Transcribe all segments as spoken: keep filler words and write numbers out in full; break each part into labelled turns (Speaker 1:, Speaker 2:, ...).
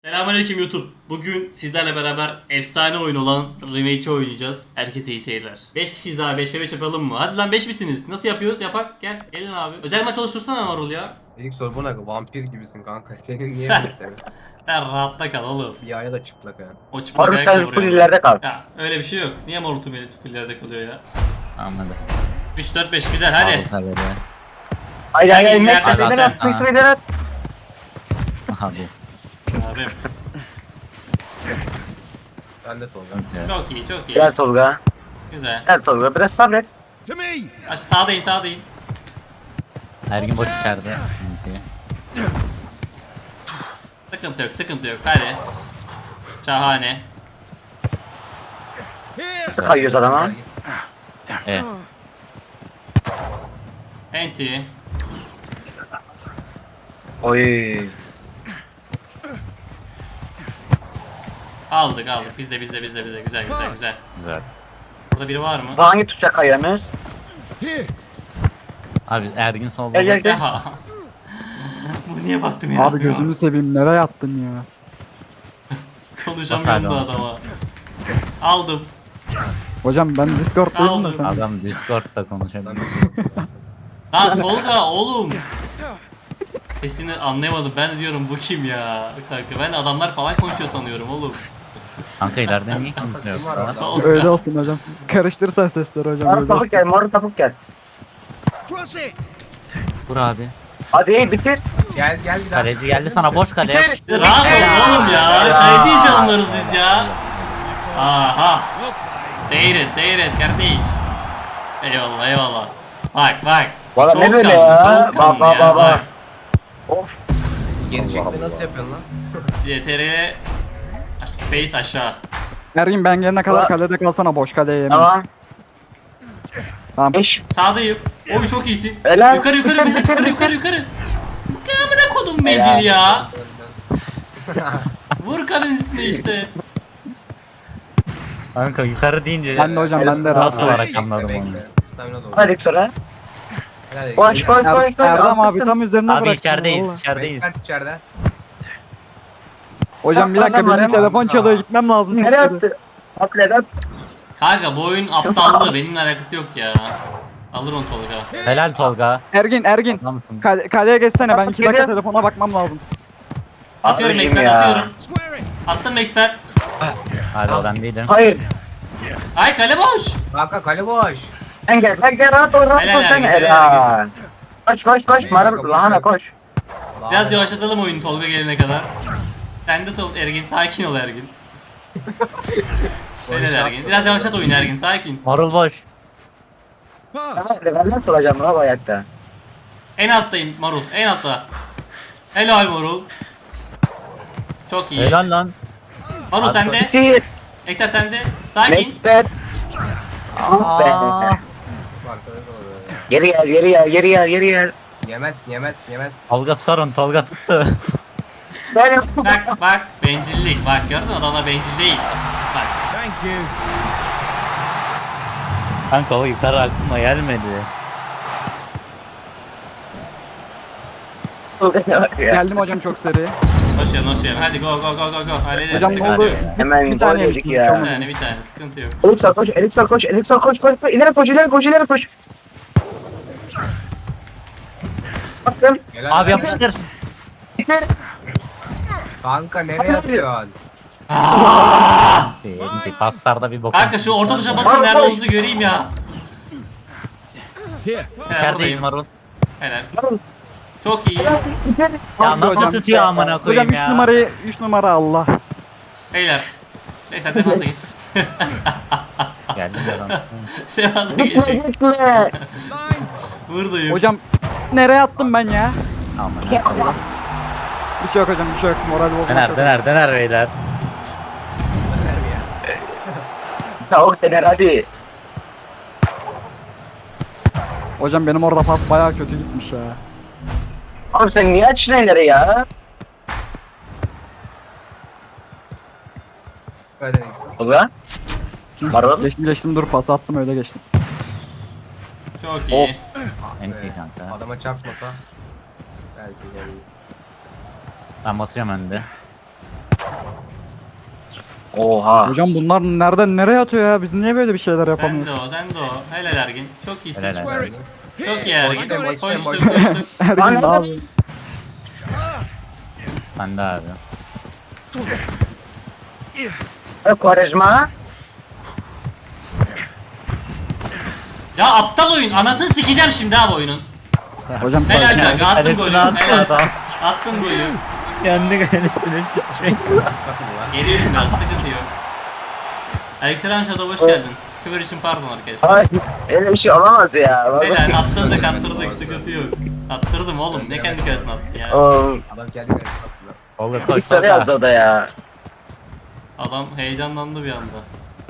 Speaker 1: Selamünaleyküm YouTube. Bugün sizlerle beraber efsane oyun olan Remake'i oynayacağız. Herkese iyi seyirler. beş kişiyiz abi, beş ve beş yapalım mı? Hadi lan beş misiniz? Nasıl yapıyoruz? Yapak gel. Gelin abi. Özel maç oluştursana Marul ya.
Speaker 2: İlk soru bu ne? Vampir gibisin kanka. Senin niye
Speaker 1: Sen-
Speaker 2: böyle senin?
Speaker 1: Sen rahatta kal oğlum.
Speaker 2: Bir ayağı da çıplak ha.
Speaker 1: O çıplak
Speaker 3: Harbi
Speaker 1: ayakla
Speaker 3: sen
Speaker 1: vuruyor.
Speaker 3: full ileride kal.
Speaker 1: Ya öyle bir şey yok. Niye Marul tüm fullerde kalıyor ya?
Speaker 4: Anladım.
Speaker 1: üç dört beş güzel hadi.
Speaker 4: Hadi.
Speaker 3: Haydi haydi
Speaker 1: Gel,
Speaker 3: haydi.
Speaker 1: gel,
Speaker 3: Max
Speaker 1: gel,
Speaker 3: meydan
Speaker 1: gel.
Speaker 3: at. Max meydan at.
Speaker 4: Hadi.
Speaker 1: Abim.
Speaker 2: Ben de Tolga.
Speaker 1: Çok iyi çok iyi.
Speaker 3: Gel Tolga.
Speaker 1: Güzel.
Speaker 3: Gel Tolga. Biraz sabret.
Speaker 1: Aş sağdayım sağdayım.
Speaker 4: Her gün boş içeride. Sıkıntı.
Speaker 1: Sıkıntı yok sıkıntı yok hadi. Şahane.
Speaker 3: Nasıl kayıyoruz adama?
Speaker 4: Evet.
Speaker 1: Enti.
Speaker 3: Oy.
Speaker 1: Aldık aldık. Bizde bizde bizde bizde. Güzel güzel güzel.
Speaker 4: Güzel.
Speaker 1: Burada biri var mı?
Speaker 3: Bu hangi tuşa kayamıyoruz?
Speaker 4: Abi Ergin solda.
Speaker 3: Gel gel gel.
Speaker 1: Ya. Bu niye baktım ya?
Speaker 5: Abi gözünü seveyim nereye attın ya?
Speaker 1: Konuşamıyorum da
Speaker 4: Basar
Speaker 1: adama. Aldım.
Speaker 5: Hocam ben Discord'dayım da
Speaker 1: Aldım.
Speaker 5: sen.
Speaker 4: Adam Discord'da konuşabilir.
Speaker 1: Lan Tolga oğlum. Sesini anlayamadım. Ben de diyorum bu kim ya? Kanka ben de adamlar falan konuşuyor sanıyorum oğlum.
Speaker 4: Kanka ileride niye kimse yok?
Speaker 2: Kim var
Speaker 4: lan?
Speaker 2: orada?
Speaker 1: Tolga.
Speaker 5: Öyle olsun hocam. Karıştırsan sesleri hocam
Speaker 3: Marul
Speaker 5: öyle
Speaker 3: topuk
Speaker 5: olsun.
Speaker 3: gel. Marul topuk gel.
Speaker 4: Vur abi.
Speaker 3: Hadi bitir.
Speaker 2: Gel gel bir daha.
Speaker 4: Kaleci geldi sana boş kale.
Speaker 1: Rahat ol oğlum ya. Kaleci hiç alınırız biz ya. Aha. Seyret seyret kardeş. Eyvallah eyvallah. Bak bak.
Speaker 3: Valla ne böyle
Speaker 1: Soğukkanlı,
Speaker 3: ya?
Speaker 1: soğukkanlı
Speaker 3: Baba
Speaker 1: ya,
Speaker 3: baba.
Speaker 1: bak.
Speaker 3: Of.
Speaker 2: Geri çekme nasıl yapıyorsun lan?
Speaker 1: C T R Space aşağı.
Speaker 5: Ergin ben gelene kadar
Speaker 3: Aa.
Speaker 5: kalede kalsana boş kaleye yemin.
Speaker 3: Tamam.
Speaker 5: Tamam.
Speaker 3: Eş.
Speaker 1: Sağdayım. Oy çok iyisin.
Speaker 3: Helal.
Speaker 1: Yukarı yukarı
Speaker 3: Bitir,
Speaker 1: bitir,
Speaker 3: bitir,
Speaker 1: yukarı
Speaker 3: bitir.
Speaker 1: yukarı yukarı. Kamera kodum becili ya. Vur kalın üstüne işte.
Speaker 4: Kanka yukarı deyince
Speaker 5: Ben de hocam ben de
Speaker 4: Nasıl
Speaker 5: rahat.
Speaker 4: olarak
Speaker 2: Bekle,
Speaker 4: anladım
Speaker 2: bekle.
Speaker 4: onu.
Speaker 2: Stamina doğru.
Speaker 3: Hadi sonra.
Speaker 2: Helal
Speaker 3: Koş
Speaker 2: edin.
Speaker 3: koş koş
Speaker 5: Er,
Speaker 3: koş.
Speaker 5: Erdem abi
Speaker 3: Altırsın.
Speaker 5: tam üzerine
Speaker 4: Abi
Speaker 5: bıraktın.
Speaker 4: içerideyiz,
Speaker 5: valla.
Speaker 4: içerideyiz.
Speaker 2: Expert içeride.
Speaker 5: Hocam bir dakika
Speaker 3: Adam var
Speaker 5: benim
Speaker 3: ama.
Speaker 5: telefon çalıyor gitmem lazım. çok
Speaker 3: Nereye
Speaker 5: seri.
Speaker 3: attı? Atlet at.
Speaker 1: Kanka bu oyun aptallığı benimle alakası yok ya. Alır onu Tolga.
Speaker 4: Helal Tolga.
Speaker 5: Ergin Ergin.
Speaker 4: Adamsın.
Speaker 5: Kale, kaleye geçsene ben iki dakika
Speaker 3: Geliyor.
Speaker 5: telefona bakmam lazım.
Speaker 1: Atıyorum
Speaker 3: Abicim
Speaker 1: Max'ten
Speaker 3: ya.
Speaker 1: atıyorum. Attım Max'ten.
Speaker 4: Hadi o ben değilim.
Speaker 3: Hayır.
Speaker 1: Ay kale boş.
Speaker 2: Kanka kale boş.
Speaker 3: Sen gel. Sen gel rahat ol rahat
Speaker 1: Helal
Speaker 3: ol sen.
Speaker 1: Ergin, helal
Speaker 3: Helal. Koş koş koş. Marul lahana koş.
Speaker 1: Biraz yavaşlatalım oyunu Tolga gelene kadar. Sen de Tol Ergin sakin ol Ergin. Helal Ergin. Biraz yavaşlat oyunu Ergin sakin.
Speaker 4: Marul boş.
Speaker 3: Tamam. Ben nasıl olacağım lan bu hayatta?
Speaker 1: En alttayım Marul en altta. Helal Marul. Çok iyi.
Speaker 4: Helal lan.
Speaker 1: Marul
Speaker 4: Abi,
Speaker 1: sende.
Speaker 3: Bitir.
Speaker 1: Ekser sende. Sakin.
Speaker 3: Next bet. Ah be.
Speaker 2: Arkada doğru.
Speaker 3: Geri gel geri gel geri gel geri gel.
Speaker 2: Yemez yemez yemez.
Speaker 4: Tolga sorun Tolga tuttu.
Speaker 3: Ben yaptım.
Speaker 1: Bak bak bencillik. Bak gördün mü adamlar bencil değil. Bak.
Speaker 4: Kanka o yukarı aklıma gelmedi.
Speaker 5: Geldim hocam çok seri.
Speaker 1: Hoş geldin hoş geldin. Hadi go go go go go. Hallederiz.
Speaker 5: Hocam ne
Speaker 1: sıkıntı
Speaker 5: oldu?
Speaker 1: yok.
Speaker 3: Hemen
Speaker 5: Bir
Speaker 3: bir
Speaker 5: tane
Speaker 3: tane yedik
Speaker 5: yedik,
Speaker 3: ya.
Speaker 5: çok-
Speaker 1: Bir tane bir tane sıkıntı yok.
Speaker 3: Elipsal koş, elipsal koş, elipsal koş, koş, koş, ileri koş, ileri koş, ileri koş, ileri koş. Bakın,
Speaker 2: Helal
Speaker 4: Abi
Speaker 2: lan.
Speaker 4: yapıştır.
Speaker 3: bitir.
Speaker 2: Kanka nereye atıyorsun?
Speaker 4: Değil, paslarda bir bok.
Speaker 1: Kanka şu orta tuşa basın nerede olduğunuzu göreyim ya. Helal,
Speaker 4: İçerideyiz
Speaker 1: buradayım.
Speaker 4: Marul.
Speaker 1: Helal. Çok iyi.
Speaker 3: Bitir.
Speaker 4: Ya
Speaker 5: Hadi
Speaker 4: nasıl
Speaker 5: hocam.
Speaker 4: tutuyor amına
Speaker 5: Hocam
Speaker 4: koyayım
Speaker 5: üç
Speaker 4: ya.
Speaker 5: numarayı üç numara Allah.
Speaker 1: Beyler. Neyse defansa geç.
Speaker 4: Geldi canım.
Speaker 1: Defansa
Speaker 3: Bitir,
Speaker 1: geçecek.
Speaker 3: bitir.
Speaker 1: Buradayım.
Speaker 5: Hocam nereye attım ben ya?
Speaker 4: Amına koyayım.
Speaker 5: Bir şey yok hocam bir şey yok moral bozmak
Speaker 4: Döner
Speaker 5: yok.
Speaker 4: döner döner beyler.
Speaker 2: Neler ya?
Speaker 3: Tavuk dener hadi.
Speaker 5: Hocam benim orada pas bayağı kötü gitmiş ya.
Speaker 3: Oğlum sen niye açtın elleri ya?
Speaker 2: Hadi.
Speaker 3: Ulan. Marul.
Speaker 5: Geçtim geçtim dur pas attım öyle geçtim.
Speaker 1: Çok iyi.
Speaker 3: Of.
Speaker 4: Enti kanka.
Speaker 2: Adama çarpmasa. Belki gol.
Speaker 4: Ben basacağım önde.
Speaker 3: Oha.
Speaker 5: Hocam bunlar nereden nereye atıyor ya? Biz niye böyle bir şeyler
Speaker 1: Sen de
Speaker 5: yapamıyoruz?
Speaker 1: o, sen de o. Helal Ergin. Çok iyisin.
Speaker 4: Helal helal.
Speaker 1: Çok iyi Ergin.
Speaker 2: Boştayım, boştayım,
Speaker 1: Koştuk
Speaker 2: boştayım.
Speaker 1: koştuk.
Speaker 5: Ergin ne yapıyor?
Speaker 4: Sen de abi.
Speaker 3: Quaresma.
Speaker 1: Ya aptal oyun. Anasını sikeceğim şimdi abi oyunun.
Speaker 5: Hocam
Speaker 1: Helal
Speaker 5: sakin ol.
Speaker 1: kanka attım
Speaker 4: Kalesine
Speaker 1: golü.
Speaker 4: attı
Speaker 1: Helal.
Speaker 4: adam.
Speaker 1: Attım golü.
Speaker 4: Kendi kalesine geçmek.
Speaker 1: Geliyorum biraz sıkıntı yok. Aleykümselam Shadow hoş geldin. Küfür için pardon arkadaşlar.
Speaker 3: Ay, öyle bir şey olamaz ya.
Speaker 1: Helal attırdık attırdık sıkıntı yok. Attırdım oğlum ne kendi kalesine attı ya.
Speaker 3: Oğlum,
Speaker 2: Adam kendi kendine satıyor.
Speaker 4: Olur
Speaker 3: bir
Speaker 4: koş
Speaker 3: sarı yazdı o da ya.
Speaker 1: Adam heyecanlandı bir anda.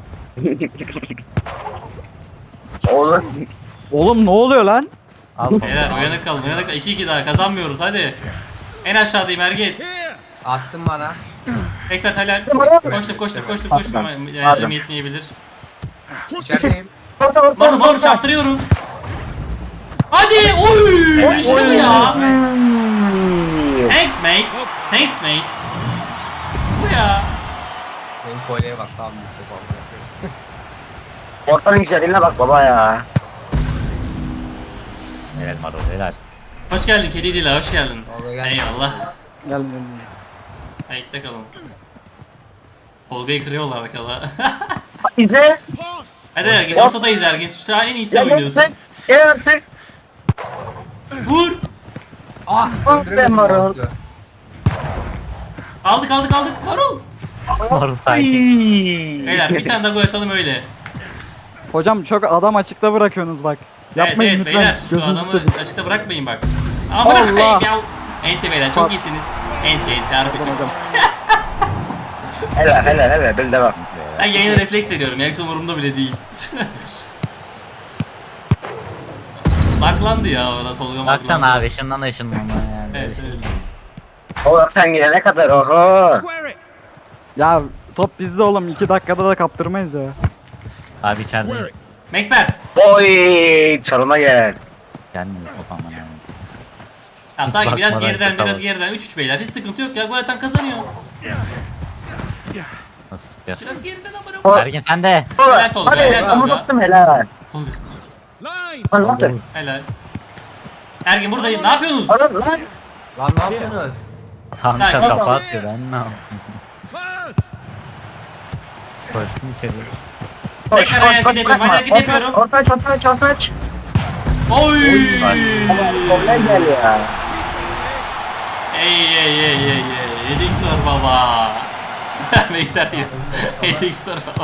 Speaker 3: Oğlum.
Speaker 5: Oğlum ne oluyor lan?
Speaker 4: Al sonra.
Speaker 1: Beyler uyanık kalın uyanık kalın. iki iki daha kazanmıyoruz hadi. En aşağıdayım Ergin.
Speaker 2: Attın bana.
Speaker 1: Expert helal. Koştuk koştuk koştuk koştuk. Enerjim yetmeyebilir.
Speaker 2: İçerideyim.
Speaker 1: Marul marul çarptırıyorum. Hadi oy işte bu ya. Thanks mate. Thanks mate. Bu ya.
Speaker 2: Benim kolyeye bak tamam bir top aldım.
Speaker 3: Ortanın güzelliğine bak baba ya.
Speaker 4: Helal Marul helal.
Speaker 1: Hoş geldin kedi dila hoş geldin.
Speaker 2: Tolga gel.
Speaker 1: Eyvallah.
Speaker 5: Gel gel.
Speaker 1: Ayakta kalın. Tolga'yı kırıyorlar arkada.
Speaker 3: İzle.
Speaker 1: Hadi Ergin ortadayız Ergin. Şu an en iyisi
Speaker 3: Gel
Speaker 1: oynuyorsun.
Speaker 3: sen. Gel artık.
Speaker 1: Vur.
Speaker 2: Ah!
Speaker 3: Ah be
Speaker 2: Öldüremedim
Speaker 3: Marul.
Speaker 2: mouse'u.
Speaker 1: Aldık aldık aldık. Marul.
Speaker 4: Marul sakin.
Speaker 1: Beyler bir tane daha gol atalım öyle.
Speaker 5: Hocam çok adam açıkta bırakıyorsunuz bak. Yapmayın
Speaker 1: evet, evet,
Speaker 5: lütfen.
Speaker 1: beyler şu
Speaker 5: Gözünüzü
Speaker 1: adamı
Speaker 5: seveyim.
Speaker 1: açıkta bırakmayın bak. Amına
Speaker 5: Allah.
Speaker 1: koyayım ya. Enti beyler çok
Speaker 5: Bak.
Speaker 1: iyisiniz. Enti enti harbi çok
Speaker 5: Hocam.
Speaker 1: iyisiniz.
Speaker 3: Helal helal helal. Bil devam.
Speaker 1: Ben yayına refleks ediyorum. Yoksa umurumda bile değil. Baklandı ya orada Tolga
Speaker 4: Baksana
Speaker 1: baklandı.
Speaker 4: abi ışından ışınlanma yani.
Speaker 1: Evet evet.
Speaker 3: Oğlum sen gidene kadar oho.
Speaker 5: Ya top bizde oğlum. iki dakikada da kaptırmayız ya.
Speaker 4: Abi içeride.
Speaker 1: Maxpert.
Speaker 3: Oy çalıma gel.
Speaker 4: Gelmiyor top aman yani.
Speaker 1: Tamam
Speaker 4: Hiç
Speaker 1: sakin biraz
Speaker 4: bakmadan
Speaker 1: geriden
Speaker 4: şaka
Speaker 1: biraz
Speaker 4: bak.
Speaker 1: geriden üç üç beyler hiç sıkıntı yok ya gol atan kazanıyor.
Speaker 4: Nasıl sıkıyor?
Speaker 1: Biraz geriden amına
Speaker 3: O-
Speaker 1: koyayım.
Speaker 4: Ergin sen de.
Speaker 1: Helal Tolga,
Speaker 3: Hadi
Speaker 1: helal
Speaker 3: ama
Speaker 1: Tolga.
Speaker 3: tuttum helal.
Speaker 1: Tolga,
Speaker 3: Lan ne yaptın?
Speaker 1: helal. Ergin buradayım ne yapıyorsunuz?
Speaker 3: Oğlum lan.
Speaker 2: Lan ne yapıyorsunuz?
Speaker 4: Kanka
Speaker 1: Kanka.
Speaker 4: kafa atıyor ben ne yapayım? Koştum içeri.
Speaker 3: Koş
Speaker 1: Tekrar
Speaker 3: koş
Speaker 1: hareket
Speaker 3: koş
Speaker 1: ediyorum,
Speaker 3: bırakma.
Speaker 1: hareket ediyorum.
Speaker 3: Orta aç orta aç orta aç.
Speaker 1: Oy!
Speaker 3: Oraya gel ya.
Speaker 1: Ey ey ey ey ey. yedi x var baba. Neyse değil. yedi x var baba.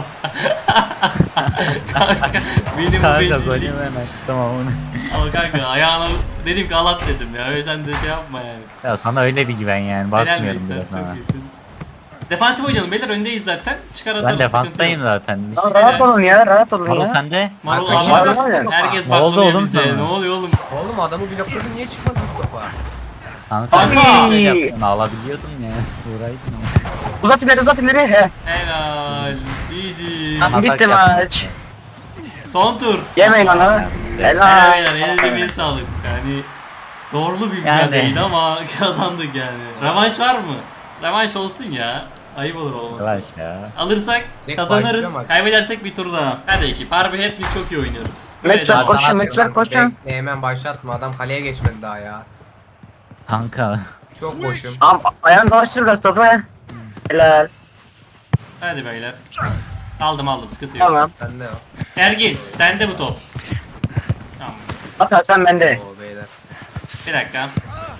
Speaker 1: Kanka benim bu
Speaker 4: Kanka
Speaker 1: bencillik.
Speaker 4: golü hemen tamam onu.
Speaker 1: Ama kanka ayağına dedim ki alat dedim ya. Öyle sen de şey yapma yani.
Speaker 4: Ya sana öyle bir güven yani
Speaker 1: Helal
Speaker 4: bakmıyorum
Speaker 1: Veysel,
Speaker 4: bile
Speaker 1: çok
Speaker 4: sana.
Speaker 1: iyisin. Defansif oynayalım beyler öndeyiz zaten. Çıkar atarız.
Speaker 4: Ben defanstayım zaten.
Speaker 3: Lan rahat olun ya rahat olun
Speaker 4: Marul
Speaker 3: ya.
Speaker 4: sende.
Speaker 1: Marul
Speaker 2: Kanka,
Speaker 1: abi
Speaker 3: şey var ya.
Speaker 1: herkes
Speaker 4: Ne oldu
Speaker 1: bakmıyor
Speaker 4: oğlum
Speaker 1: bize.
Speaker 4: sana?
Speaker 1: Ne oluyor oğlum?
Speaker 2: Oğlum adamı blokladın niye çıkmadın topa?
Speaker 4: Kanka
Speaker 1: Kanka!
Speaker 4: sen böyle yaptın alabiliyordun ya. Uğraydın ama.
Speaker 3: Uzat ileri uzat ileri. He.
Speaker 1: Helal. G G.
Speaker 3: Tamam, bitti
Speaker 4: Atak
Speaker 3: maç.
Speaker 4: yaptın.
Speaker 1: Son tur.
Speaker 3: Yemeyin onu.
Speaker 1: Helal
Speaker 3: Helal.
Speaker 1: beyler elinize bir sağlık. Yani doğrulu bir
Speaker 4: Yani.
Speaker 1: mücadeleydi ama kazandık yani. Revanş var mı? Revanş olsun ya. Ayıp olur olmasın.
Speaker 4: Yavaş ya.
Speaker 1: Alırsak
Speaker 2: Direkt
Speaker 1: kazanırız.
Speaker 2: başlıyor maç.
Speaker 1: Kaybedersek bir tur daha. Hadi ekip. Harbi hepimiz çok iyi oynuyoruz.
Speaker 3: Max
Speaker 1: Böyle
Speaker 3: ver
Speaker 1: devam.
Speaker 3: koşun
Speaker 4: sana
Speaker 3: Max ver
Speaker 2: Lan
Speaker 3: koşun.
Speaker 2: bekle, hemen başlatma adam kaleye geçmedi daha ya.
Speaker 4: Kanka.
Speaker 2: Çok boşum.
Speaker 3: Am ayağını dolaştır biraz topu. Helal.
Speaker 1: Hadi beyler. Aldım aldım sıkıntı yok.
Speaker 3: Tamam.
Speaker 2: Sen de o.
Speaker 1: Ergin sende bu top. Tamam.
Speaker 3: At sen bende.
Speaker 2: Oo beyler.
Speaker 1: Bir dakika.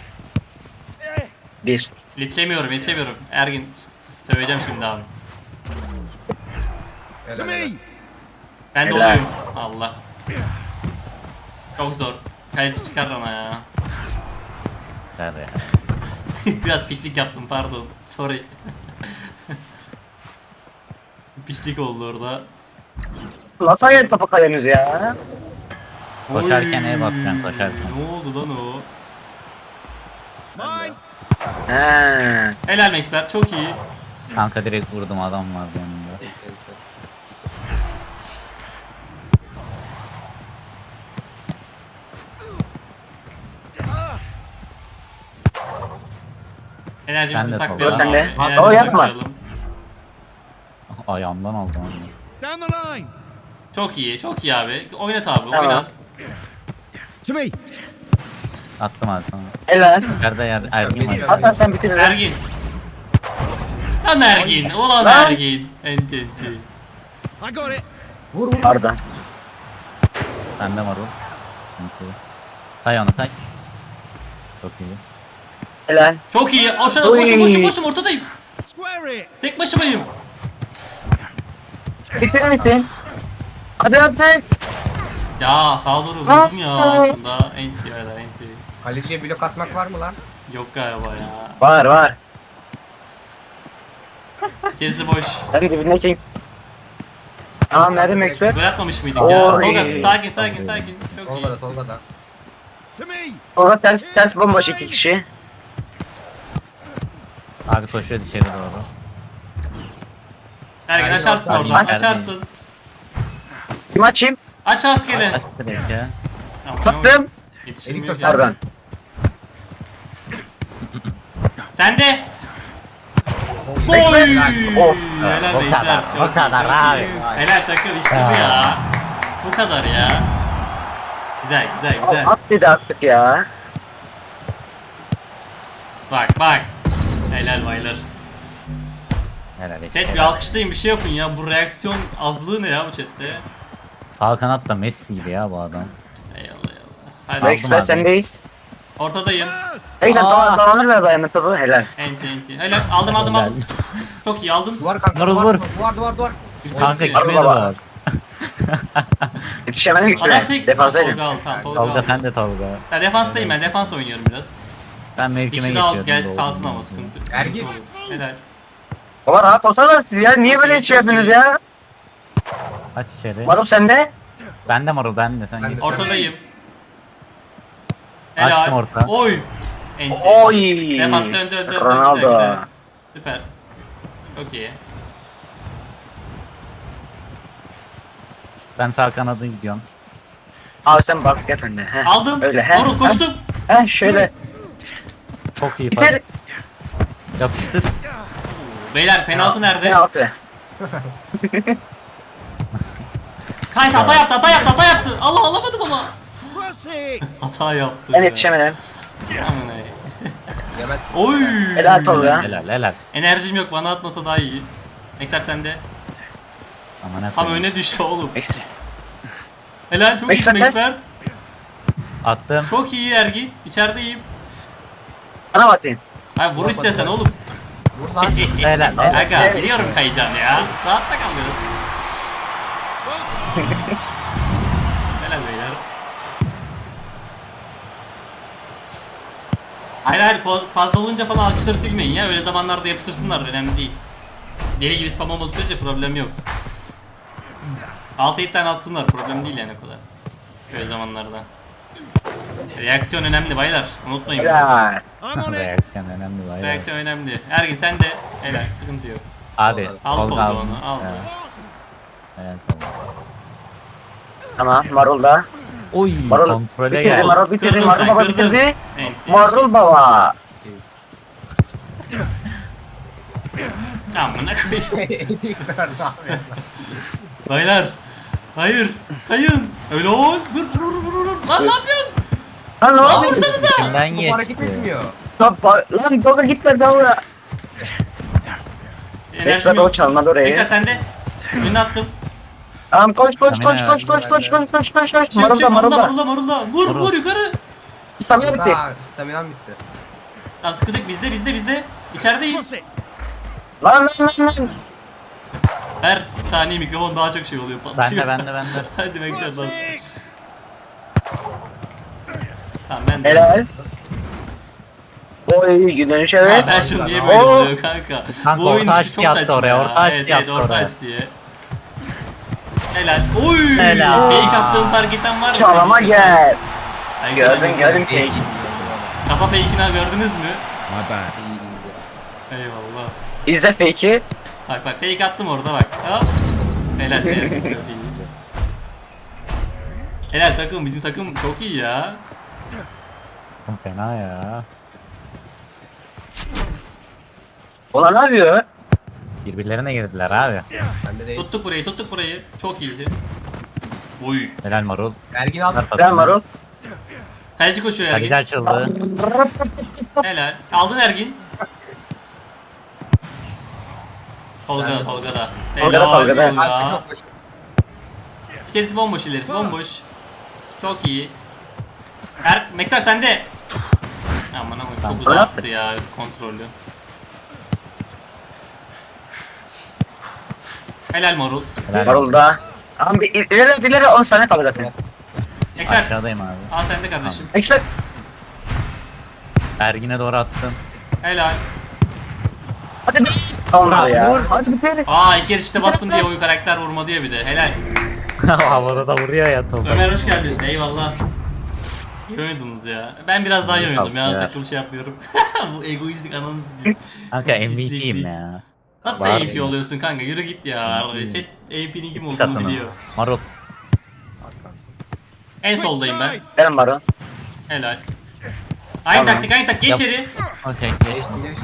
Speaker 3: Bir.
Speaker 1: Yetişemiyorum yetişemiyorum. Ergin şşt, söyleyeceğim şimdi abi.
Speaker 2: Helal, helal.
Speaker 1: Ben de
Speaker 3: Helal.
Speaker 1: oluyorum. Allah. Çok zor. Kaleci çıkar ona ya.
Speaker 4: Nerede ya?
Speaker 1: Biraz pişlik yaptım pardon. Sorry. Pişlik oldu orada.
Speaker 3: Nasıl ayağını topa kayıyorsunuz ya?
Speaker 4: Koşarken
Speaker 1: Oy.
Speaker 4: el bas ben, koşarken.
Speaker 1: Ne oldu lan o?
Speaker 3: He.
Speaker 1: Helal Maxper çok iyi.
Speaker 4: Kanka direkt vurdum adam vardı yanımda.
Speaker 1: Enerjimizi
Speaker 4: Ben de
Speaker 1: saklayalım
Speaker 3: Sen
Speaker 1: abi.
Speaker 3: de.
Speaker 1: Enerjimizi
Speaker 3: O yapma.
Speaker 1: saklayalım.
Speaker 4: ayağımdan aldım onu.
Speaker 6: Down the line.
Speaker 1: Çok iyi, çok iyi abi. Oynat abi,
Speaker 3: Tamam.
Speaker 1: oynat.
Speaker 6: To me.
Speaker 4: Attım abi sana.
Speaker 3: Helal.
Speaker 4: Yerde yer Ergin var.
Speaker 2: Geçiyor.
Speaker 3: Hatta sen bitir.
Speaker 1: Ergin. Lan Ergin, ulan
Speaker 3: Lan.
Speaker 1: Ergin. Enti enti.
Speaker 6: I got it.
Speaker 2: Vur vur.
Speaker 3: Arda.
Speaker 4: Bende marul. Sıkıntı. Kay onu kay. Çok iyi.
Speaker 3: Helal.
Speaker 1: Çok iyi. Aşağıda
Speaker 3: Oy.
Speaker 1: boşum boşum boşum ortadayım.
Speaker 6: Square it.
Speaker 1: Tek başımayım.
Speaker 3: Bitirir misin? Hadi hadi.
Speaker 1: Ya sağa doğru vurdum ya aslında. Enti ya enti.
Speaker 2: Kaleciye blok atmak var mı lan?
Speaker 1: Yok galiba ya.
Speaker 3: Var var.
Speaker 1: İçerisi boş.
Speaker 3: Hadi dibindeki. Tamam nerede Maxwell?
Speaker 1: Gol atmamış mıydık ya?
Speaker 3: Oy.
Speaker 1: Tolga sakin sakin sakin. Çok iyi.
Speaker 2: Tolga'da Tolga'da.
Speaker 6: To me.
Speaker 3: Orada ters ters bomboş iki kişi.
Speaker 4: Abi koşuyor içeri doğru.
Speaker 1: Ergin
Speaker 2: Ergin
Speaker 1: açarsın
Speaker 2: orta.
Speaker 1: oradan.
Speaker 4: Ergin.
Speaker 1: Açarsın.
Speaker 3: Kim açayım?
Speaker 1: Aç rastgele.
Speaker 4: Aç direkt ya.
Speaker 1: Tamam,
Speaker 3: Baktım.
Speaker 1: yetiştirmiyor
Speaker 2: Elik
Speaker 1: ya.
Speaker 3: Pardon.
Speaker 1: Sen de. Gol!
Speaker 3: Maxwell. Of.
Speaker 1: Helal
Speaker 4: O
Speaker 1: Beyler.
Speaker 4: kadar,
Speaker 1: çok
Speaker 4: o
Speaker 1: iyi,
Speaker 4: kadar
Speaker 1: çok
Speaker 4: abi.
Speaker 1: iyi. Helal takım işte bu ya. Bu kadar ya. Güzel güzel güzel.
Speaker 3: At dedi attık ya.
Speaker 1: Bak bak. Helal baylar.
Speaker 4: Helal işte.
Speaker 1: Chat bir alkışlayın bir şey yapın ya. Bu reaksiyon azlığı ne ya bu chatte?
Speaker 4: Sağ kanat da Messi gibi ya bu adam.
Speaker 1: Eyvallah eyvallah. Hadi
Speaker 4: Aldım
Speaker 3: Maxwell
Speaker 4: abi.
Speaker 3: sendeyiz.
Speaker 1: ortadayım.
Speaker 3: Neyse
Speaker 4: Aa.
Speaker 3: tamam tamamdır ver dayanır topu. Helal.
Speaker 1: Enti enti. Helal aldım aldım aldım. Çok iyi aldın.
Speaker 2: Duvar kanka.
Speaker 4: Vur,
Speaker 2: Duvar,
Speaker 4: vur.
Speaker 2: duvar duvar duvar.
Speaker 4: Kanka
Speaker 1: Çok iyi.
Speaker 4: kime de
Speaker 3: baba.
Speaker 4: var.
Speaker 3: Yetişemedim
Speaker 1: Adam
Speaker 3: üstüne.
Speaker 1: tek.
Speaker 3: Defansaydım.
Speaker 1: Tolga al tamam Tolga
Speaker 4: Tolga
Speaker 1: al.
Speaker 4: sen de Tolga.
Speaker 1: Ya defanstayım ben defans oynuyorum biraz.
Speaker 4: Ben
Speaker 1: Bir
Speaker 4: mevkime
Speaker 1: kişi daha al
Speaker 4: geçiyordum.
Speaker 1: gelsin kalsın ama sıkıntı.
Speaker 2: Ergin.
Speaker 1: Helal.
Speaker 3: Baba rahat olsana siz ya. Niye böyle şey yapıyorsunuz ya?
Speaker 4: Aç içeri.
Speaker 3: Maruf sende.
Speaker 4: Ben de marul ben de sen
Speaker 2: Ben
Speaker 4: geç.
Speaker 2: de.
Speaker 1: Ortadayım.
Speaker 4: Açtım orta.
Speaker 1: Oy. Enti.
Speaker 3: Oy.
Speaker 1: Defans dön dön dön dön.
Speaker 3: Ronaldo.
Speaker 1: Güzel güzel. Süper. Çok iyi.
Speaker 4: Ben sağ kanada gidiyorum.
Speaker 3: Abi sen basket önde. Heh.
Speaker 1: Aldım.
Speaker 3: Öyle he.
Speaker 1: Marul koştum.
Speaker 3: Heh şöyle.
Speaker 4: Çok iyi
Speaker 3: Biter.
Speaker 4: pas. Yapıştır.
Speaker 1: Beyler penaltı
Speaker 3: Ne
Speaker 1: nerede?
Speaker 3: yaptı?
Speaker 1: Kayıt hata yaptı hata yaptı hata yaptı. Allah alamadım ama.
Speaker 6: Cross it.
Speaker 1: Hata yaptı.
Speaker 3: Ben
Speaker 1: ya.
Speaker 3: yetişemedim.
Speaker 1: Aman ey.
Speaker 2: Yemez.
Speaker 1: Oy.
Speaker 3: Helal Tolga.
Speaker 4: Helal helal.
Speaker 1: Enerjim yok bana atmasa daha iyi. Ekser sende.
Speaker 4: Aman ne
Speaker 1: Tam
Speaker 4: koyayım.
Speaker 1: öne düştü oğlum.
Speaker 3: Neyse.
Speaker 1: Helal çok
Speaker 3: Ekser
Speaker 1: iyisin
Speaker 3: ters.
Speaker 1: Ekser.
Speaker 4: Attım.
Speaker 1: Çok iyi Ergin. İçerideyim.
Speaker 3: Bana mı atayım?
Speaker 1: Hayır vur istesen oğlum.
Speaker 2: Vur lan.
Speaker 4: Helal. helal.
Speaker 1: Aga
Speaker 3: Sen-
Speaker 1: biliyorum kayacağını ya. Rahatta kal biraz. Helal beyler. Hayır hayır faz- fazla olunca falan alkışları silmeyin ya. Öyle zamanlarda yapıştırsınlar önemli değil. Deli gibi spam olmadığı sürece problem yok. altı yedi tane atsınlar problem değil yani o kadar. Böyle zamanlarda. Reaksiyon önemli baylar. Unutmayın.
Speaker 3: Helal.
Speaker 6: I'm on it.
Speaker 4: Reaksiyon önemli var.
Speaker 1: Reaksiyon önemli. Ergin sen de helal sıkıntı yok.
Speaker 4: Abi
Speaker 1: Al
Speaker 4: Tolga
Speaker 1: Tolga
Speaker 4: aldım.
Speaker 1: onu, al.
Speaker 4: Evet. Evet Tolga.
Speaker 3: Tamam Marul da.
Speaker 4: Oy
Speaker 3: Marul
Speaker 4: kontrole
Speaker 3: bitirdi
Speaker 4: gel.
Speaker 3: Marul bitirdi
Speaker 1: Kırdın
Speaker 3: Marul
Speaker 1: sen,
Speaker 3: baba
Speaker 1: kırdın.
Speaker 3: bitirdi.
Speaker 1: Enti.
Speaker 3: Marul baba.
Speaker 1: Amına koyayım.
Speaker 2: Elik ver ne yapıyorsun?
Speaker 1: Baylar. Hayır. Kayın. Öyle ol. Dur dur dur dur dur. Lan ne yapıyorsun?
Speaker 3: Lan ne
Speaker 1: Lan
Speaker 3: yapıyorsun?
Speaker 1: vursanıza.
Speaker 4: İçimden
Speaker 2: Bu hareket
Speaker 4: geçti.
Speaker 2: etmiyor.
Speaker 3: Lan ba- Lan Tolga gitme davra.
Speaker 1: Enerjim
Speaker 3: Ekstra o
Speaker 1: yok.
Speaker 3: çalmadı
Speaker 1: Ekser
Speaker 3: orayı.
Speaker 1: sende. Önüne attım.
Speaker 3: Tamam koş koş
Speaker 4: Tamam,
Speaker 3: koş
Speaker 4: ya.
Speaker 3: koş koş koş koş koş koş koş.
Speaker 1: Çık
Speaker 3: Marul
Speaker 1: çık
Speaker 3: da Marul
Speaker 1: marulla
Speaker 3: da.
Speaker 1: marulla marulla. Vur
Speaker 4: Marul.
Speaker 1: vur yukarı.
Speaker 3: İstanbul'a bitti.
Speaker 2: Aa, staminam bitti.
Speaker 1: Tamam sıkıntı yok bizde bizde bizde. İçerideyim.
Speaker 6: Cross it.
Speaker 3: Lan lan lan lan.
Speaker 1: Her saniye mikrofon daha çok şey oluyor. patlıyor.
Speaker 4: Bende bende bende.
Speaker 1: Hadi bekle
Speaker 6: Cross
Speaker 1: lan.
Speaker 6: it.
Speaker 1: Tamam ben de.
Speaker 3: Helal. Oy dönüş evet.
Speaker 1: Ha, ben şimdi niye böyle
Speaker 3: Oo.
Speaker 1: oluyor kanka?
Speaker 4: Kanka,
Speaker 1: Bu oyun
Speaker 4: orta
Speaker 1: dışı
Speaker 4: açtı
Speaker 1: çok
Speaker 4: yaptı
Speaker 1: saçma
Speaker 4: oraya,
Speaker 1: ya.
Speaker 4: orta açtı
Speaker 1: evet,
Speaker 4: yaptı
Speaker 1: evet, orta
Speaker 4: oraya.
Speaker 1: aç diye. Helal. Oy!
Speaker 4: Helal.
Speaker 1: Fake attığım fark eden var mı?
Speaker 3: Çalama gel.
Speaker 1: Ay,
Speaker 3: Gördün
Speaker 1: güzel.
Speaker 3: gördün
Speaker 2: İyi, iyi,
Speaker 3: fake.
Speaker 2: iyi.
Speaker 1: Kafa fake'ini gördünüz mü?
Speaker 6: My bad.
Speaker 2: İyi, iyi.
Speaker 1: Eyvallah.
Speaker 3: İzle fake'i.
Speaker 1: Bak bak fake attım orada bak. Hop. Helal be. Çok iyi. Helal takım bizim takım çok iyi ya.
Speaker 4: Fena ya.
Speaker 3: Ulan ne yapıyor?
Speaker 4: Birbirlerine girdiler abi.
Speaker 2: Bende değil.
Speaker 1: Tuttuk burayı tuttuk burayı. Çok iyisin. Oy.
Speaker 4: Helal marul.
Speaker 2: Ergin al.
Speaker 4: Ver
Speaker 3: Sen
Speaker 4: pasını.
Speaker 3: Marul.
Speaker 1: Kaleci koşuyor
Speaker 4: Kaleci
Speaker 1: Ergin.
Speaker 4: açıldı.
Speaker 1: Helal. Aldın Ergin. Tolga
Speaker 2: Sen
Speaker 1: da
Speaker 2: de.
Speaker 1: Tolga da.
Speaker 3: Tolga da,
Speaker 1: Helal
Speaker 3: Tolga da.
Speaker 2: Arka
Speaker 1: Tolga.
Speaker 2: çok boş.
Speaker 1: İçerisi bomboş ilerisi bomboş. Çok iyi. Er Mekser sende. Aman aman çok uzaktı ya kontrolü. Helal Marul.
Speaker 4: Helal.
Speaker 3: Marul da. Abi il- ileri ileri on saniye kaldı zaten.
Speaker 1: Mekser
Speaker 4: Aşağıdayım abi.
Speaker 1: al sende kardeşim.
Speaker 3: Ekstra.
Speaker 4: Ergin'e doğru attım.
Speaker 1: Helal.
Speaker 3: Hadi be. Olmadı ya.
Speaker 2: Vur.
Speaker 3: Hadi bitir.
Speaker 1: Aa ilk yarışta bastım diye oyu karakter vurma diye bir de. Helal.
Speaker 4: Havada da vuruyor ya topu.
Speaker 1: Ömer hoş geldin. Eyvallah. İyi oynadınız ya. Ben biraz daha iyi
Speaker 4: Sağ
Speaker 1: oynadım ya.
Speaker 4: ol.
Speaker 1: Takım şey yapıyorum. Bu egoistik ananız gibi.
Speaker 4: Kanka M V
Speaker 1: Pisliklik.
Speaker 4: P'yim ya.
Speaker 1: Nasıl
Speaker 4: Var
Speaker 1: A P
Speaker 4: ya.
Speaker 1: oluyorsun kanka? Yürü git ya. Chat A P'nin kim olduğunu
Speaker 4: Takını.
Speaker 1: biliyor.
Speaker 4: Marul.
Speaker 1: En soldayım ben.
Speaker 3: Benim Marul.
Speaker 1: Helal. Aynı
Speaker 3: Tamam.
Speaker 1: taktik, aynı taktik. Geç
Speaker 4: Yap.
Speaker 1: içeri.
Speaker 4: Okey.
Speaker 2: Geçti geçti.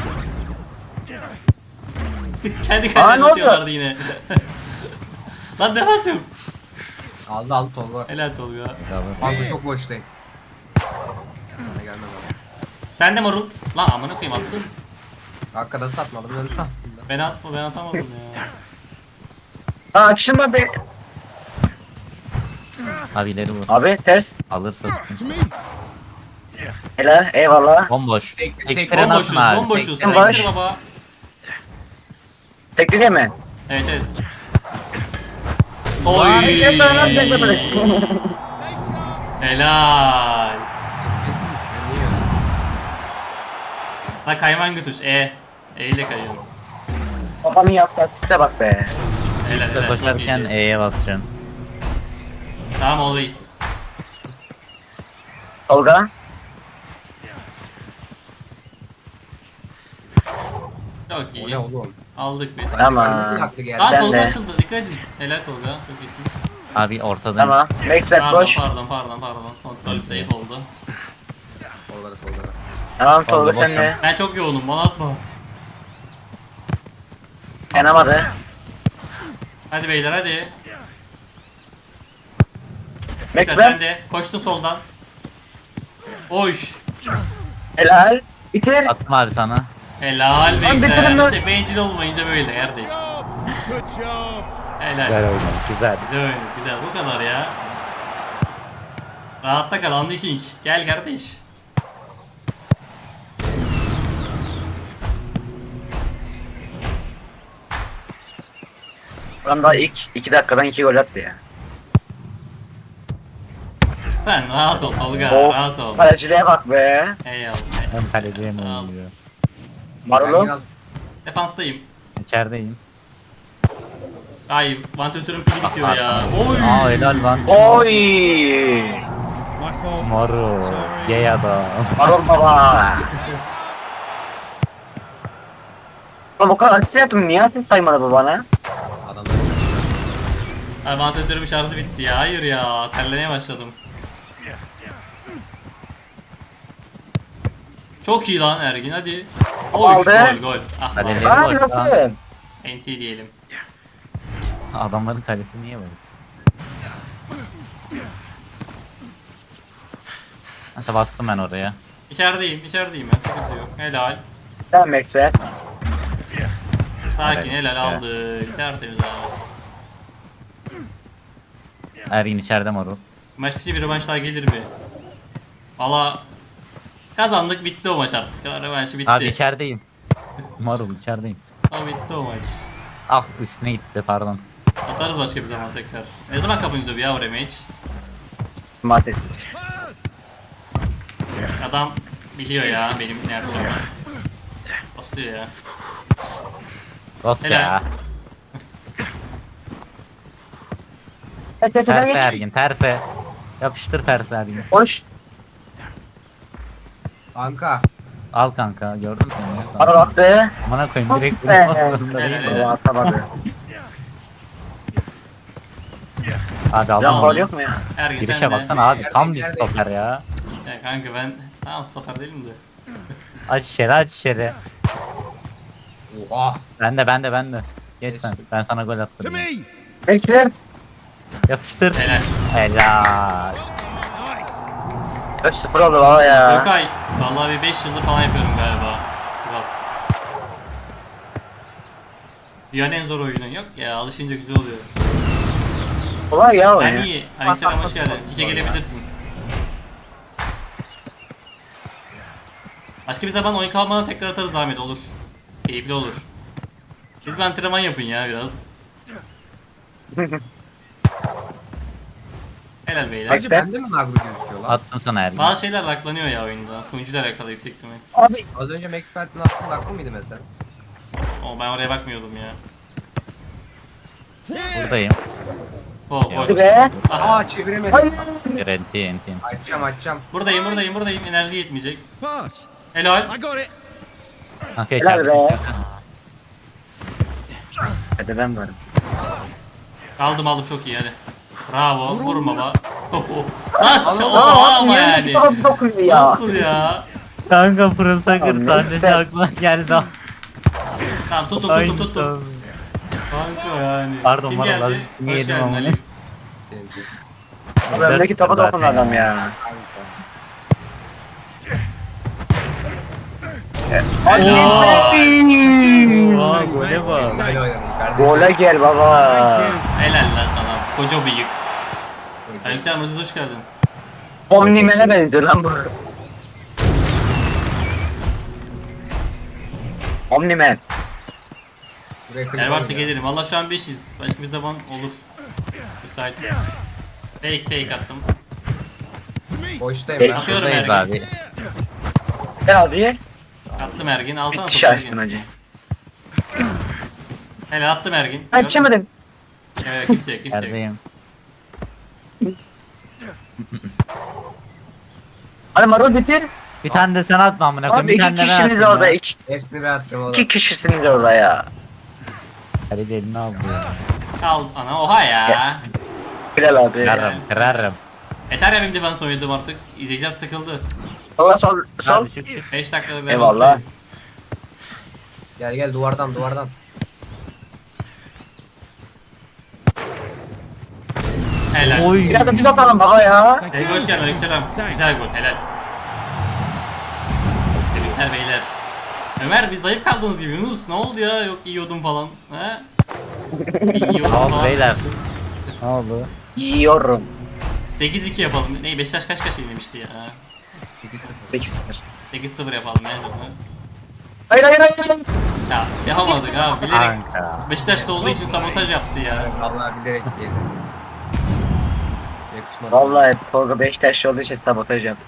Speaker 1: Kendi
Speaker 3: Aa,
Speaker 1: kendine
Speaker 3: ne oldu?
Speaker 1: atıyorlardı yine. Lan defans yok.
Speaker 2: Aldı aldı Tolga.
Speaker 1: Helal Tolga.
Speaker 2: Kanka çok boştayım. Bana gelmez ama.
Speaker 1: Sen de marul. Lan amına koyayım attın.
Speaker 2: Arkada satmadım önde attım.
Speaker 1: Ben atma ben atamadım ya.
Speaker 3: Aa akışın be.
Speaker 4: Abi ileri vur.
Speaker 3: Abi ters.
Speaker 4: Alırsa sıkıntı.
Speaker 6: To me.
Speaker 3: Helal eyvallah.
Speaker 4: Bomboş.
Speaker 2: Sek- sek-
Speaker 4: Sektiren
Speaker 1: Bomboşuz,
Speaker 4: atın abi.
Speaker 1: bomboşuz.
Speaker 3: Sektir baş.
Speaker 1: Sektir baba.
Speaker 3: Tekli değil mi?
Speaker 1: Evet evet. Oy.
Speaker 3: Tekli sana tekli böyle.
Speaker 1: Helal.
Speaker 2: Kesin düşüyor niye öyle?
Speaker 1: La kayman götür. E. E ile kayıyorum.
Speaker 3: Babamın yaptığı asiste bak be.
Speaker 1: Helal helal. çok
Speaker 4: Koşarken
Speaker 1: iyiydi.
Speaker 4: E'ye basacaksın.
Speaker 1: Tamam always.
Speaker 3: Tolga.
Speaker 1: Çok
Speaker 2: O
Speaker 1: iyi.
Speaker 2: ne oğlum?
Speaker 1: Aldık biz.
Speaker 3: Tamam.
Speaker 2: Bende bir hakkı geldi.
Speaker 1: Lan
Speaker 3: Ben
Speaker 1: Tolga
Speaker 3: de.
Speaker 1: açıldı. Dikkat edin. Helal Tolga. Çok iyisin.
Speaker 4: Abi ortadayım.
Speaker 3: Tamam. Max back
Speaker 1: Pardon
Speaker 3: boş.
Speaker 1: pardon pardon pardon. Kontrol safe oldu.
Speaker 2: Tolga'da Tolga'da.
Speaker 3: Tamam Tolga
Speaker 4: Tolga
Speaker 3: sen de.
Speaker 1: Ben çok yoğunum. Bana atma.
Speaker 3: Yanamadı.
Speaker 1: Hadi beyler hadi.
Speaker 3: Max
Speaker 1: Sen,
Speaker 3: back.
Speaker 1: sen de. Koştum soldan. Oy.
Speaker 3: Helal. Bitir.
Speaker 4: Attım abi sana.
Speaker 1: Helal
Speaker 3: Lan bitirin
Speaker 1: Bekler.
Speaker 3: lan.
Speaker 1: İşte bencil olmayınca böyle kardeş.
Speaker 6: Job. Good job.
Speaker 1: Helal.
Speaker 4: Güzel oynadı. Güzel.
Speaker 1: Güzel oyun. Güzel. Bu kadar ya. Rahatta kal Andy King. Gel kardeş.
Speaker 3: Adam daha ilk iki dakikadan iki gol attı ya.
Speaker 1: Sen rahat ol Tolga. Rahat ol.
Speaker 3: Of. Kaleciliğe bak be.
Speaker 1: Eyvallah.
Speaker 4: Hem kaleciye mi
Speaker 1: Sağ ol.
Speaker 4: oluyor?
Speaker 3: Marul'um.
Speaker 2: Biraz
Speaker 1: Defanstayım.
Speaker 4: İçerideyim.
Speaker 1: Ay vantilatörün pili bitiyor ya. Oy.
Speaker 4: Aa helal lan.
Speaker 3: Oy.
Speaker 6: My fault.
Speaker 4: Moro.
Speaker 6: Sorry.
Speaker 4: Gay adam.
Speaker 3: Marul baba. Oğlum o kadar asist yaptım. Niye asist saymadı bu bana?
Speaker 2: adamlar.
Speaker 1: Ay vantilatörün şarjı bitti ya. Hayır ya. Terlemeye başladım. Çok iyi lan Ergin hadi. Oy
Speaker 3: Aldı.
Speaker 1: gol gol. Ah
Speaker 4: Kaleci.
Speaker 1: vallahi.
Speaker 3: Aa
Speaker 4: boş
Speaker 3: nasıl?
Speaker 4: lan.
Speaker 1: N T diyelim.
Speaker 4: Adamların kalesi niye böyle? Hatta bastım ben oraya.
Speaker 1: İçerideyim, içerideyim ben. Sıkıntı yok. Helal.
Speaker 3: Tamam Max be.
Speaker 1: Sakin
Speaker 4: Evet,
Speaker 1: helal
Speaker 4: evet.
Speaker 1: aldık. Tertemiz abi.
Speaker 4: Ergin içeride Moro.
Speaker 1: Maç bitince bir rövanş daha gelir mi? Valla kazandık bitti o maç artık. Rövanşı bitti.
Speaker 4: Abi içerideyim. Marul içerideyim.
Speaker 1: O bitti o maç.
Speaker 4: Ah üstüne gitti pardon.
Speaker 1: Atarız başka bir zaman tekrar. Ne zaman kapanıyordu ya o rematch?
Speaker 3: Cumartesi.
Speaker 1: Adam biliyor ya benim ne yapacağımı. Basılıyor ya.
Speaker 4: Dost
Speaker 1: Helal.
Speaker 4: ya.
Speaker 3: Kaç kaç
Speaker 4: Terse
Speaker 3: kaç.
Speaker 4: Ergin terse. Yapıştır terse Ergin.
Speaker 3: Boş.
Speaker 2: Kanka.
Speaker 4: Al kanka gördüm seni. ya.
Speaker 3: Marul attı.
Speaker 4: Bana koyayım direkt
Speaker 3: Be.
Speaker 4: vurmak zorunda
Speaker 1: Helal,
Speaker 4: değil.
Speaker 1: helal.
Speaker 3: Baba atamadı.
Speaker 4: Abi
Speaker 3: Can
Speaker 4: aldım
Speaker 3: faul
Speaker 4: onu.
Speaker 3: yok mu ya?
Speaker 1: Ergin
Speaker 4: Girişe
Speaker 1: sen de.
Speaker 4: baksana abi tam bir
Speaker 2: Yerde-
Speaker 4: stoper ya.
Speaker 1: Ya kanka ben tamam stoper değilim de.
Speaker 4: Aç içeri aç içeri.
Speaker 2: Oha.
Speaker 4: Ben de ben de ben de. Geç sen. Ben sana gol
Speaker 6: To
Speaker 4: attım.
Speaker 6: me.
Speaker 3: Expert.
Speaker 4: Yapıştır.
Speaker 1: Helal.
Speaker 4: Helal.
Speaker 3: Öz sıfır oldu baba ya.
Speaker 1: Gökay. Vallahi bir beş yıldır falan yapıyorum galiba. Bak. Dünyanın en zor oyunu. Yok ya, alışınca güzel oluyor.
Speaker 3: Kolay ya o
Speaker 1: Ben
Speaker 3: ya.
Speaker 1: iyi. Aleykümselam, hoş geldin. Kike gelebilirsin. Başka bir zaman oyun kalmadan tekrar atarız Ahmet, olur. Keyifli olur. Siz bir antrenman yapın ya biraz. Helal beyler.
Speaker 2: Hacı bende mi laglı gözüküyor lan?
Speaker 4: Attım sana Ergin.
Speaker 1: Bazı şeyler laklanıyor ya oyunda. Sunucuyla alakalı yüksek ihtimal.
Speaker 3: Abi.
Speaker 2: Az önce Maxpert'in attığın laglı mıydı mesela?
Speaker 1: O ben oraya bakmıyordum ya.
Speaker 4: Buradayım.
Speaker 1: Ho
Speaker 3: Hadi
Speaker 1: ho.
Speaker 3: be.
Speaker 2: Aa çeviremedim.
Speaker 3: Hayır.
Speaker 4: Enti enti.
Speaker 2: Açacağım açacağım.
Speaker 1: Buradayım buradayım buradayım. Enerji yetmeyecek.
Speaker 6: Pass.
Speaker 1: Helal.
Speaker 6: I got it.
Speaker 4: Kanka
Speaker 3: Helal
Speaker 4: içeride.
Speaker 3: be. Hadi ben varım.
Speaker 1: Aldım aldım, çok iyi hadi. Bravo. Vurma baba. Nasıl?
Speaker 2: Allah
Speaker 1: Oha ama yani.
Speaker 3: Çok dokunuyor ya.
Speaker 1: Nasıl ya?
Speaker 4: Kanka Pro Soccer
Speaker 3: Abi,
Speaker 4: sahnesi
Speaker 3: neyse.
Speaker 4: aklıma geldi.
Speaker 1: Tamam tut tut tut
Speaker 4: Aynısı
Speaker 1: tut tut.
Speaker 4: abi.
Speaker 1: Kanka yani.
Speaker 4: Pardon,
Speaker 1: Kim
Speaker 4: bana
Speaker 1: geldi?
Speaker 4: lazım.
Speaker 1: Hoş
Speaker 4: Yedim
Speaker 1: geldin
Speaker 4: ama.
Speaker 1: Ali.
Speaker 3: Önümdeki topa
Speaker 4: Zaten
Speaker 3: dokundu adam ya.
Speaker 4: Aa,
Speaker 3: Hadi.
Speaker 4: gole bak.
Speaker 2: Güzel oynadın kardeşim.
Speaker 3: Gole gel baba.
Speaker 1: Helal lan sana. Koca bıyık. Aleykümselam Aziz, hoş geldin.
Speaker 3: Omnimen'e benziyor lan bu. Omnimen.
Speaker 2: Buraya klip
Speaker 1: Eğer varsa
Speaker 2: alın ya.
Speaker 1: gelirim. Valla şu an beşiz. Başka bir zaman olur. Müsait. Fake fake attım.
Speaker 6: To me.
Speaker 2: Boştayım
Speaker 3: Peki.
Speaker 2: ben.
Speaker 1: Atıyorum
Speaker 4: Buradayız
Speaker 1: Ergin.
Speaker 4: abi.
Speaker 3: Ne abi?
Speaker 1: Attım Ergin. Alsana
Speaker 3: Bir
Speaker 1: topu
Speaker 3: kişi açtın
Speaker 1: Ergin.
Speaker 3: hacı.
Speaker 1: Helal attım Ergin.
Speaker 3: Ha yetişemedim.
Speaker 1: Evet, kimse yok kimse yok.
Speaker 4: Neredeyim?
Speaker 3: Hadi marul bitir.
Speaker 4: Bir tane de sen atma amına koyayım.
Speaker 3: Abi
Speaker 4: Bir
Speaker 3: iki
Speaker 4: tane de ben
Speaker 3: kişisiniz
Speaker 4: atayım
Speaker 3: orada.
Speaker 4: ya.
Speaker 3: İki,
Speaker 2: Hepsini ben atacağım oğlum.
Speaker 3: iki kişisiniz orada ya.
Speaker 4: Kaleci elini aldı ya.
Speaker 1: Al ana, oha ya.
Speaker 3: Bilal abi.
Speaker 4: Kırarım kırarım.
Speaker 1: Yeter ya, benim defans oynadım artık. İzleyiciler sıkıldı.
Speaker 3: Allah sol sol.
Speaker 4: Hadi çık çık.
Speaker 1: beş dakikada defans.
Speaker 3: Eyvallah.
Speaker 2: Gel gel duvardan duvardan.
Speaker 1: Helal.
Speaker 4: Oy.
Speaker 3: Biraz da biz atalım baba ya.
Speaker 1: Sevgi hoş geldin. Aleykümselam. Güzel gol. Helal. Tebrikler beyler. Ömer, biz zayıf kaldınız gibi. Yunus ne oldu ya? Yok yiyordum falan. He? Yiyordum
Speaker 4: Ne oldu
Speaker 1: falan.
Speaker 4: beyler? Ne oldu?
Speaker 3: Yiyorum.
Speaker 1: sekiz iki yapalım. Ne, Beşiktaş kaç kaç yenilmişti ya?
Speaker 2: iki sıfır.
Speaker 3: sekiz sıfır.
Speaker 1: sekiz sıfır yapalım. Nerede bu?
Speaker 3: Hayır hayır hayır.
Speaker 1: Ya yapamadık abi. Bilerek
Speaker 4: Kanka.
Speaker 1: Beşiktaş'ta olduğu için sabotaj yaptı ya.
Speaker 2: Yani vallahi bilerek girdim. Yakışmadı.
Speaker 3: Vallahi Tolga Beşiktaşlı olduğu için sabotaj yaptı.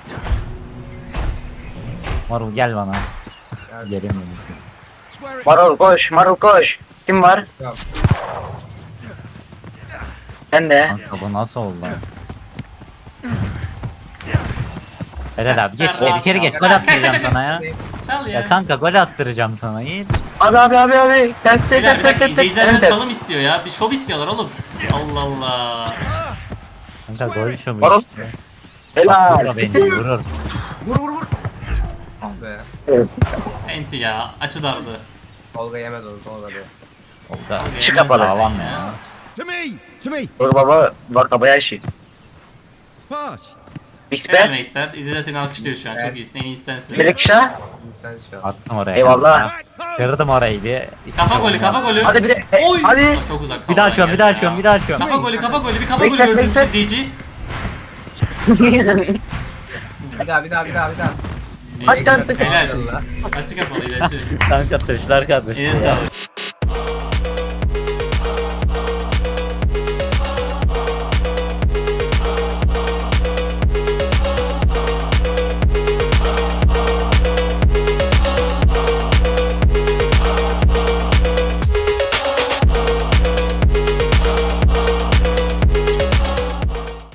Speaker 4: Marul gel bana.
Speaker 2: Yani-
Speaker 4: Gelemiyorum.
Speaker 6: Square it.
Speaker 3: Marul koş, Marul koş. Kim var?
Speaker 2: Ya,
Speaker 3: Sen de.
Speaker 4: Kanka bu nasıl oldu? Helal abi geç
Speaker 1: Sen
Speaker 4: gel içeri geç
Speaker 1: rahat
Speaker 4: gol
Speaker 1: ol.
Speaker 4: attıracağım sana ya.
Speaker 1: Çal ya.
Speaker 4: Ya kanka gol attıracağım sana iyi.
Speaker 3: Abi abi abi abi. Ters ters
Speaker 1: Beyler, bir
Speaker 3: ters
Speaker 1: dakika,
Speaker 3: ters
Speaker 1: izleyiciler
Speaker 3: ters.
Speaker 1: biraz çalım istiyor ya. Bir şov istiyorlar oğlum. Allah Allah.
Speaker 4: Kanka gol şu
Speaker 3: Marul.
Speaker 4: bu işte.
Speaker 3: Helal.
Speaker 4: Vurur beni vurur.
Speaker 2: vur vur vur. Ah be.
Speaker 1: Enti ya. Açı dardı.
Speaker 2: Tolga yemez onu Tolga be.
Speaker 4: Oldu.
Speaker 3: Şu kapalı.
Speaker 4: Sağlam ya.
Speaker 6: To me. To me.
Speaker 3: Dur baba var kabaya işi.
Speaker 6: Pass.
Speaker 1: Helal
Speaker 3: Expert.
Speaker 1: Expert. İzleyiciler seni alkışlıyor şu an. Çok iyisin. En iyisi sensin.
Speaker 3: Melek Şah.
Speaker 2: Sen şu an.
Speaker 4: Attım oraya.
Speaker 3: Eyvallah.
Speaker 6: Right post.
Speaker 4: Kırdım orayı bir.
Speaker 1: Kafa golü, kafa golü.
Speaker 3: Hadi bir de.
Speaker 1: Oy.
Speaker 3: Hadi.
Speaker 1: Çok uzak.
Speaker 4: Bir daha
Speaker 1: kafadan
Speaker 4: açıyorum bir
Speaker 1: geldi
Speaker 4: daha
Speaker 1: ya.
Speaker 4: açıyorum bir daha açıyorum.
Speaker 1: Kafa golü, kafa golü. Bir kafa golü
Speaker 3: Beşler,
Speaker 1: görsün
Speaker 3: beşler.
Speaker 1: izleyici.
Speaker 2: Bir daha bir daha bir daha bir daha.
Speaker 3: Hadi artık.
Speaker 1: Helal. Açı kapalıydı açı.
Speaker 4: Kanka tuşlar kardeşim.
Speaker 1: Eline sağlık.